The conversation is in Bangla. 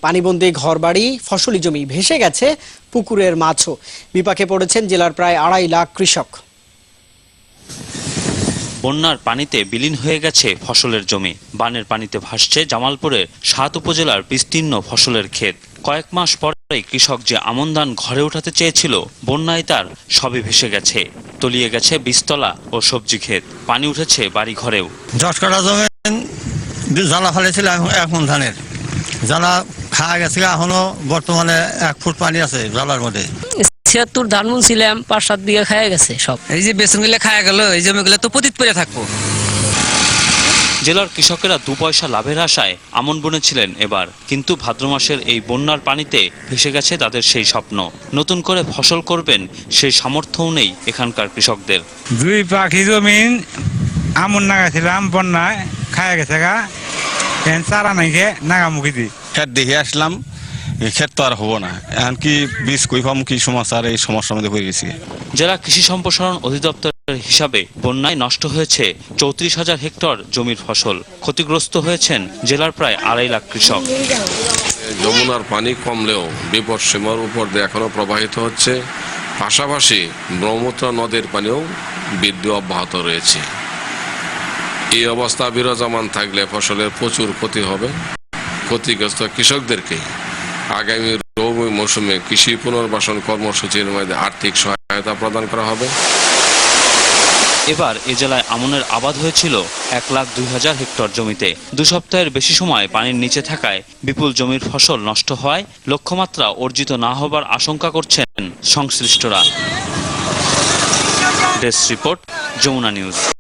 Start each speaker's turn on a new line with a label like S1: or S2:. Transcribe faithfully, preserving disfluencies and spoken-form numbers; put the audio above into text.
S1: পানিবন্দী ঘরবাড়ি, ফসলি জমি ভেসে গেছে, পুকুরের মাছও। বিপাকে পড়েছেন জেলার প্রায় আড়াই লাখ কৃষক।
S2: বন্যার পানিতে বিলীন হয়ে গেছে ফসলের জমি। বানের পানিতে ভাসছে জামালপুরের সাত উপজেলার বিস্তীর্ণ ফসলের ক্ষেত। কয়েক মাস পরেই কৃষক যে আমন ধান ঘরে উঠাতে চেয়েছিল, বন্যায় তার সবই ভেসে গেছে। তলিয়ে গেছে বীজতলা ও সবজি ক্ষেত, পানি উঠেছে বাড়ি ঘরেও।
S3: দশ কাঠা জমি জ্বালা ফেলেছিল, এখন ধানের জ্বালা খাওয়া গেছে, এখনো বর্তমানে এক ফুট পানি আছে জ্বালার মধ্যে।
S4: ছিয়াত্তর ধান বুনছিলাম, পাঁচ সাত বিঘা খাওয়া গেছে সব।
S5: এই যে বেসন গুলো খাওয়া গেল, এই জমিগুলো তো পতিত পড়ে থাকবো।
S2: জেলার কৃষকেরা দু পয়সা লাভের আশায় আমন বুনেছিলেন এবার, কিন্তু ভাদ্র মাসের এই বন্যার পানিতে ভেসে গেছে তাদের সেই স্বপ্ন। নতুন করে ফসল করবেন সেই সামর্থ্যও নেই এখানকার কৃষকদের।
S6: দুই পাখি জমিন আমন নাগাছিলাম, বন্যায় খাওয়া গেছে গা, চারা নাই খেয়ে নাগামুখী দিই।
S7: ক্ষেত দেখে আসলাম, ক্ষেত তো আর হবো না, এখন কি বীজ কই পাম, কি সমস্যা, এই সমস্যার মধ্যে পড়ে গেছি।
S2: জেলা কৃষি সম্প্রসারণ অধিদপ্তরের হিসাবে বন্যায় নষ্ট হয়েছে চৌত্রিশ হাজার হেক্টর জমির ফসল। ক্ষতিগ্রস্ত হয়েছেন জেলার প্রায় আড়াই লাখ কৃষক।
S8: যমুনার পানি কমলেও বিপদ সীমার উপর দিয়ে এখনো প্রবাহিত হচ্ছে, পাশাপাশি ব্রহ্মপুত্র নদের পানিও বৃদ্ধি অব্যাহত রয়েছে। এই অবস্থা বিরাজমান থাকলে ফসলের প্রচুর ক্ষতি হবে। ক্ষতিগ্রস্ত কৃষকদেরকে আগামী রবি মৌসুমে কৃষি পুনর্বাসন কর্মসূচির মধ্যে আর্থিক সহায়তা প্রদান করা হবে।
S2: এবার এ জেলায় আমনের আবাদ হয়েছিল এক লাখ দুই হাজার হেক্টর জমিতে। দু সপ্তাহের বেশি সময় পানির নিচে থাকায় বিপুল জমির ফসল নষ্ট হওয়ায় লক্ষ্যমাত্রা অর্জিত না হবার আশঙ্কা করছেন সংশ্লিষ্টরা। Desk report, Jamuna news.